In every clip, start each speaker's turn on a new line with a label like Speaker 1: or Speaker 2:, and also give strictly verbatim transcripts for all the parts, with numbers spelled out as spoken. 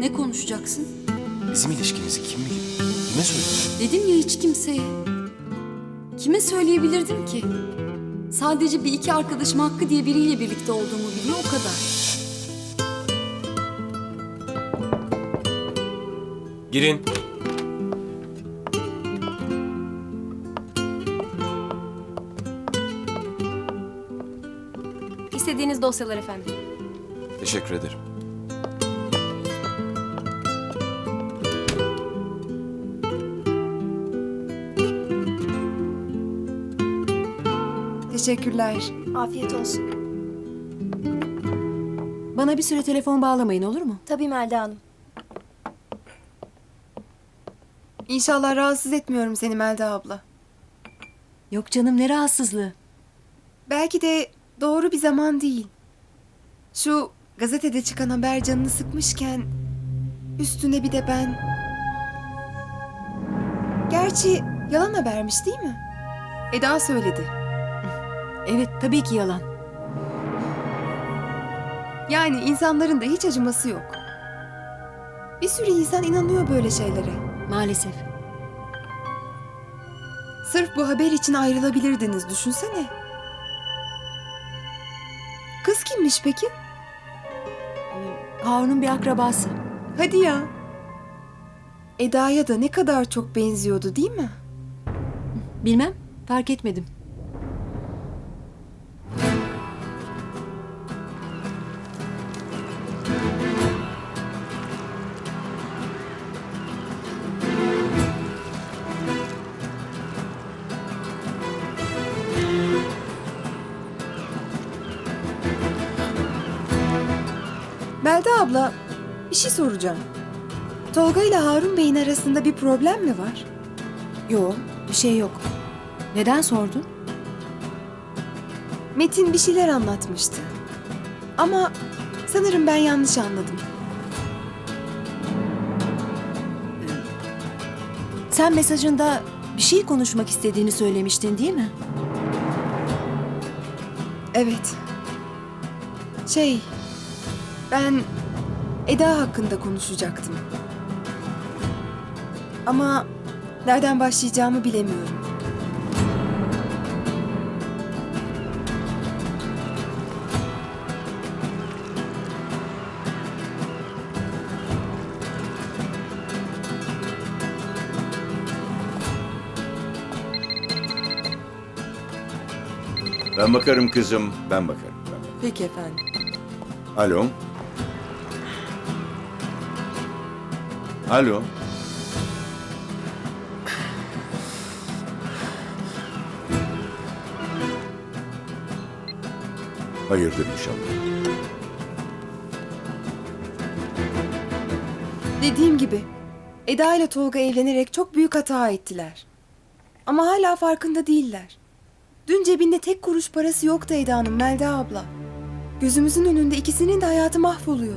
Speaker 1: Ne konuşacaksın?
Speaker 2: Bizim ilişkimizi kim bilir? Kime söyleyeceğim?
Speaker 1: Dedim ya hiç kimseye. Kime söyleyebilirdim ki? Sadece bir iki arkadaşım Hakkı diye biriyle birlikte olduğumu biliyor, o kadar.
Speaker 2: Girin.
Speaker 3: İstediğiniz dosyalar efendim.
Speaker 2: Teşekkür ederim.
Speaker 4: Teşekkürler.
Speaker 3: Afiyet olsun.
Speaker 4: Bana bir süre telefon bağlamayın, olur mu?
Speaker 3: Tabii Melda Hanım.
Speaker 4: İnşallah rahatsız etmiyorum seni Melda abla.
Speaker 5: Yok canım, ne rahatsızlığı.
Speaker 4: Belki de doğru bir zaman değil. Şu gazetede çıkan haber canını sıkmışken üstüne bir de ben... Gerçi yalan habermiş değil mi? Eda söyledi.
Speaker 5: Evet, tabii ki yalan.
Speaker 4: Yani insanların da hiç acıması yok. Bir sürü insan inanıyor böyle şeylere.
Speaker 5: Maalesef.
Speaker 4: Sırf bu haber için ayrılabilirdiniz, düşünsene. Kız kimmiş peki?
Speaker 5: Harun'un bir akrabası.
Speaker 4: Hadi ya. Eda'ya da ne kadar çok benziyordu değil mi?
Speaker 5: Bilmem, fark etmedim.
Speaker 4: Melda abla, bir şey soracağım. Tolga ile Harun Bey'in arasında bir problem mi var?
Speaker 5: Yok, bir şey yok. Neden sordun?
Speaker 4: Metin bir şeyler anlatmıştı. Ama sanırım ben yanlış anladım.
Speaker 5: Sen mesajında bir şey konuşmak istediğini söylemiştin değil mi?
Speaker 4: Evet. Şey, ben Eda hakkında konuşacaktım. Ama nereden başlayacağımı bilemiyorum.
Speaker 6: Ben bakarım kızım, ben bakarım. Ben bakarım.
Speaker 4: Peki efendim.
Speaker 6: Alo? Alo? Hayırdır inşallah.
Speaker 4: Dediğim gibi Eda ile Tolga evlenerek çok büyük hata ettiler. Ama hala farkında değiller. Dün cebinde tek kuruş parası yoktu Eda'nın, Melda abla. Gözümüzün önünde ikisinin de hayatı mahvoluyor.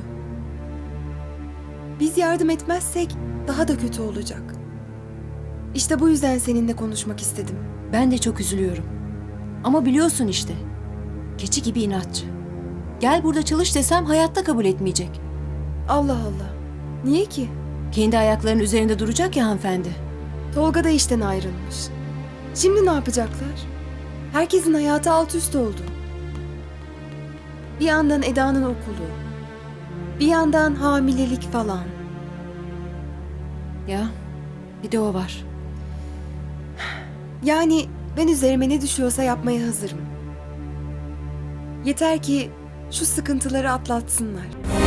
Speaker 4: Biz yardım etmezsek daha da kötü olacak. İşte bu yüzden seninle konuşmak istedim.
Speaker 5: Ben de çok üzülüyorum. Ama biliyorsun işte. Keçi gibi inatçı. Gel burada çalış desem hayatta kabul etmeyecek.
Speaker 4: Allah Allah. Niye ki?
Speaker 5: Kendi ayaklarının üzerinde duracak ya hanımefendi.
Speaker 4: Tolga da işten ayrılmış. Şimdi ne yapacaklar? Herkesin hayatı alt üst oldu. Bir yandan Eda'nın okulu. Bir yandan hamilelik falan.
Speaker 5: Ya, bir de o var.
Speaker 4: Yani ben üzerime ne düşüyorsa yapmaya hazırım. Yeter ki şu sıkıntıları atlatsınlar.